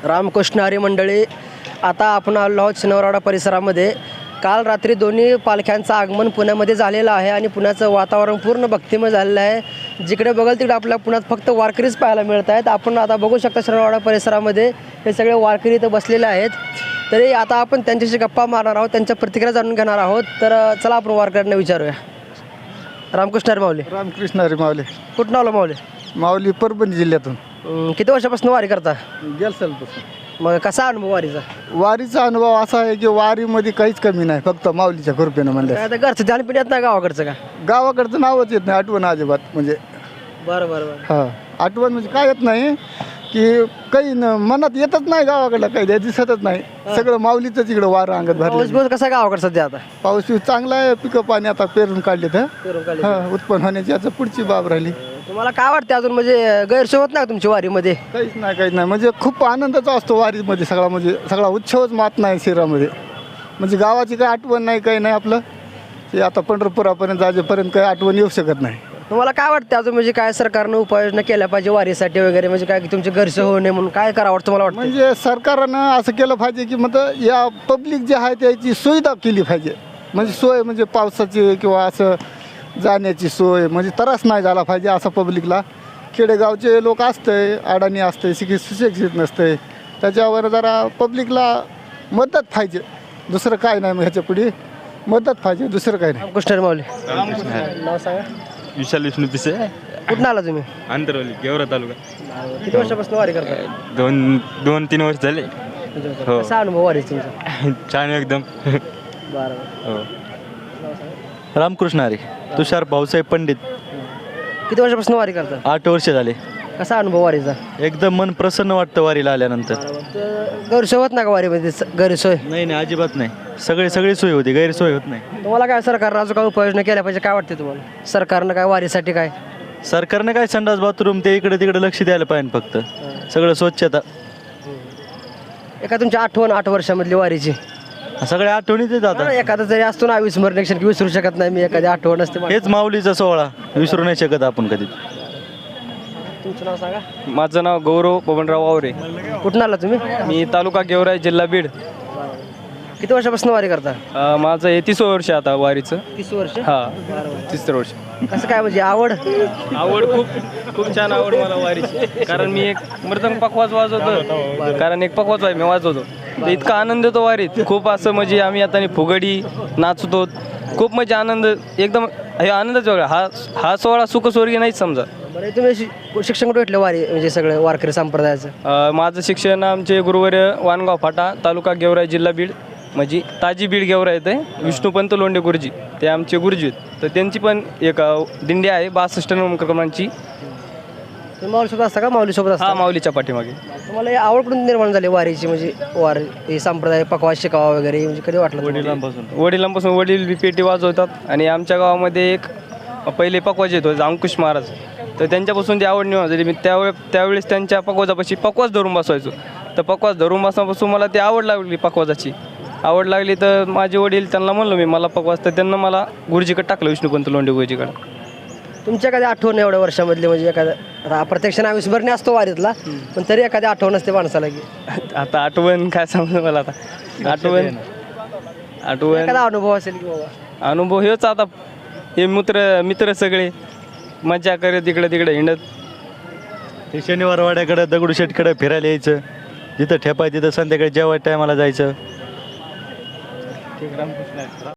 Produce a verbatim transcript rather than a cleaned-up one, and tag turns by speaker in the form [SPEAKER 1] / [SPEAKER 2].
[SPEAKER 1] रामकृष्ण हरी मंडळी, आता आपण आलो आहोत शनिवारवाडा परिसरामध्ये. काल रात्री दोन्ही पालख्यांचं आगमन पुण्यामध्ये झालेलं आहे आणि पुण्याचं वातावरण पूर्ण भक्तिमय झालेलं आहे. जिकडे बघाल तिकडे आपल्या पुण्यात फक्त वारकरीच पाहायला मिळत आहेत. आपण आता बघू शकता शनिवारवाडा परिसरामध्ये हे सगळे वारकरी इथं बसलेले आहेत. तरी आता आपण त्यांच्याशी गप्पा मारणार आहोत, त्यांच्या प्रतिक्रिया जाणून घेणार आहोत. तर चला आपण वारकऱ्यांना विचारूया. रामकृष्ण हरी माऊली.
[SPEAKER 2] रामकृष्ण हरी माऊली.
[SPEAKER 1] कुठून आलो माऊली?
[SPEAKER 2] माऊली परभणी जिल्ह्यातून.
[SPEAKER 1] अं, किती वर्षापासून वारी करता?
[SPEAKER 2] गेल सालपासून.
[SPEAKER 1] मग कसा अनुभव वारीचा?
[SPEAKER 2] वारीचा अनुभव असा आहे की वारीमध्ये काहीच कमी नाही, फक्त माऊलीच्या कृपेनं म्हणलं.
[SPEAKER 1] आता घरचं ध्यान पिढ्यात नाही गावाकडचं का?
[SPEAKER 2] गावाकडचं नावच येत नाही, आठवण अजिबात. म्हणजे
[SPEAKER 1] बरं बरं बरं.
[SPEAKER 2] हा आठवण म्हणजे काय येत नाही की काही न मनात येतच नाही, गावाकडलं काही ते दिसतच नाही. सगळं माऊलीचंच इकडं वारं अंगात
[SPEAKER 1] पाऊस
[SPEAKER 2] भरलं.
[SPEAKER 1] बिऊस कसा गावाकडं सध्या आता?
[SPEAKER 2] पाऊस बिऊस चांगला आहे, पिकं पाणी आता पेरून काढले तर
[SPEAKER 1] पेरून काढले.
[SPEAKER 2] हा उत्पन्न होण्याची आता पुढची बाब राहिली.
[SPEAKER 1] तुम्हाला काय वाटतं अजून, म्हणजे गैरसोय होत नाही का तुमची वारीमध्ये?
[SPEAKER 2] काहीच नाही काहीच नाही, म्हणजे खूप आनंदाचा असतो वारीमध्ये. सगळा म्हणजे सगळा उत्सवच मात नाही शहरामध्ये. म्हणजे गावाची काही आठवण नाही, काही नाही. आपलं ते आता पंढरपुरापर्यंत जाजेपर्यंत काही आठवण येऊ शकत नाही.
[SPEAKER 1] तुम्हाला काय वाटतं अजून, म्हणजे काय सरकारनं उपाययोजना केल्या पाहिजे वारीसाठी वगैरे, म्हणजे काय की तुमची गैरसोय होऊ नये म्हणून काय करावं वाटतं तुम्हाला वाटतं?
[SPEAKER 2] म्हणजे सरकारनं असं केलं पाहिजे की मग या पब्लिक जे आहे त्याची सुविधा केली पाहिजे. म्हणजे सोय म्हणजे पावसाची किंवा असं जाण्याची सोय, म्हणजे त्रास नाही झाला पाहिजे असं पब्लिकला. खेडेगावचे लोक असते, अडाणी असते, शिक्षित सुशिक्षित नसते, त्याच्यावर जरा पब्लिकला मदत पाहिजे. दुसरं काय नाही, मग ह्याच्या पुढे मदत पाहिजे, दुसरं काय नाही.
[SPEAKER 1] रामकृष्ण हरी माऊली. नाव सांगा.
[SPEAKER 3] विशाल विष्णू पिसे.
[SPEAKER 1] कुठून आला तुम्ही?
[SPEAKER 3] आंतरवली गेवरा तालुका.
[SPEAKER 1] किती वर्षापासून वारी करता?
[SPEAKER 3] दोन दोन तीन वर्ष झाले. हो.
[SPEAKER 1] कसा अनुभव वारी तुमचा?
[SPEAKER 3] छान एकदम.
[SPEAKER 1] बरं.
[SPEAKER 3] हो.
[SPEAKER 4] रामकृष्ण हरी. तुषार भाऊसाहेब पंडित.
[SPEAKER 1] किती वर्षापासून वारी करता?
[SPEAKER 4] आठ वर्ष झाले.
[SPEAKER 1] कसा अनुभव वारीचा?
[SPEAKER 4] एकदम मन प्रसन्न वाटतं वारीला आल्यानंतर.
[SPEAKER 1] गैरसोय होत नाही का वारीमध्ये? गैरसोय
[SPEAKER 4] नाही नाही, अजिबात नाही. सगळे सगळी सोय होती, गैरसोय होत नाही.
[SPEAKER 1] तुम्हाला काय सरकारनं अजून काय उपाययोजना केल्या पाहिजे काय वाटते तुम्हाला? सरकारनं काय वारीसाठी काय?
[SPEAKER 4] सरकारने काय संडास बाथरूम ते इकडे तिकडे लक्ष द्यायला पाहिजे. फक्त सगळं स्वच्छता.
[SPEAKER 1] एका तुमची आठवण आठ वर्षामधली वारीची
[SPEAKER 4] सगळ्या आठवणीत येत आता.
[SPEAKER 1] एखादा जरी असतो ना अविस्मरणीय क्षण की विसरू शकत नाही मी, एखादी आठवण असते.
[SPEAKER 4] हेच माऊलीचा सोहळा विसरू नाही शकत आपण कधी.
[SPEAKER 1] तुमचं नाव सांगा.
[SPEAKER 5] माझं नाव गौरव बबनराव वावरे.
[SPEAKER 1] कुठून आला तुम्ही?
[SPEAKER 5] मी तालुका गेवराई जिल्हा बीड.
[SPEAKER 1] किती वर्षापासून वारी करता?
[SPEAKER 5] अ, माझं हे तिसरं वर्ष आता वारीचं.
[SPEAKER 1] तीस वर्ष.
[SPEAKER 5] हा तिसरं वर्ष.
[SPEAKER 1] कसं काय म्हणजे आवड?
[SPEAKER 5] आवड खूप खूप छान आवड मला वारीची. कारण मी एक मृदंग पकवाज वाजवतो, कारण एक पकवाज आहे मी वाजवतो. तर इतका आनंद येतो वारीत, खूप असं म्हणजे आम्ही आता फुगडी नाचतो, खूप म्हणजे आनंद एकदम. हे आनंदच वेगळा. हा हा सोहळा सुखस्वर्गीय नाहीच समजा.
[SPEAKER 1] बरं, तुम्ही शि- शिक्षण कुठे भेटलं वारी म्हणजे सगळं वारकरी संप्रदायाचं?
[SPEAKER 5] अ, माझं शिक्षण आमचे गुरुवर्य वानगाव फाटा तालुका गेवराई जिल्हा बीड, म्हणजे ताजी बीड गेवरा येते. विष्णुपंत लोंढे गुरुजी ते आमचे गुरुजी आहेत. तर त्यांची पण एक अ, दिंडी आहे बासष्ट क्रमांची.
[SPEAKER 1] तुम्ही माऊलीसोबत असता का? माऊलीसोबत असता?
[SPEAKER 5] हा माऊलीच्या पाठीमागे.
[SPEAKER 1] तुम्हाला हे आवड कुठून निर्माण झाली वारीची, म्हणजे वार हे संप्रदाय पकवास शिकावा वगैरे, म्हणजे कधी वाटलं तुम्हाला?
[SPEAKER 4] वडिलांपासून.
[SPEAKER 5] वडिलांपासून वडील बी पेटी वाजवतात आणि आमच्या गावामध्ये एक पहिले पकवाज येतो अंकुश महाराज, तर त्यांच्यापासून ती आवड निर्माण झाली. मी त्यावेळे त्यावेळेस त्यांच्या पकवाजापाशी पकवाज धरून बसवायचो. तर पकवाज धरून बसण्यापासून मला ती आवड लागली, पकवाजाची आवड लागली. तर माझे वडील त्यांना म्हणलो मी मला पकवाज, तर त्यांना मला गुरुजीकडे टाकलं, विष्णुपंत लोंढे गुरुजीकडे.
[SPEAKER 1] तुमच्या एखादी आठवण एवढ्या वर्षामधली, म्हणजे एखादा आता प्रत्यक्ष अविस्मरणीय असतो वारीतला, पण तरी एखादी आठवण असते माणसाला की
[SPEAKER 5] आता आठवण काय सांगू मला आता. आठवण आठवण
[SPEAKER 1] एखादा अनुभव असेल की बाबा?
[SPEAKER 5] अनुभव हेच आता हे मित्र मित्र सगळे मजा करत इकडे तिकडे हिंडत.
[SPEAKER 4] ते शनिवार वाड्याकडे दगडूशेठकडे फिरायला यायचं, जिथं ठेपाय तिथं संध्याकाळी जेवाय टायमाला जायचं.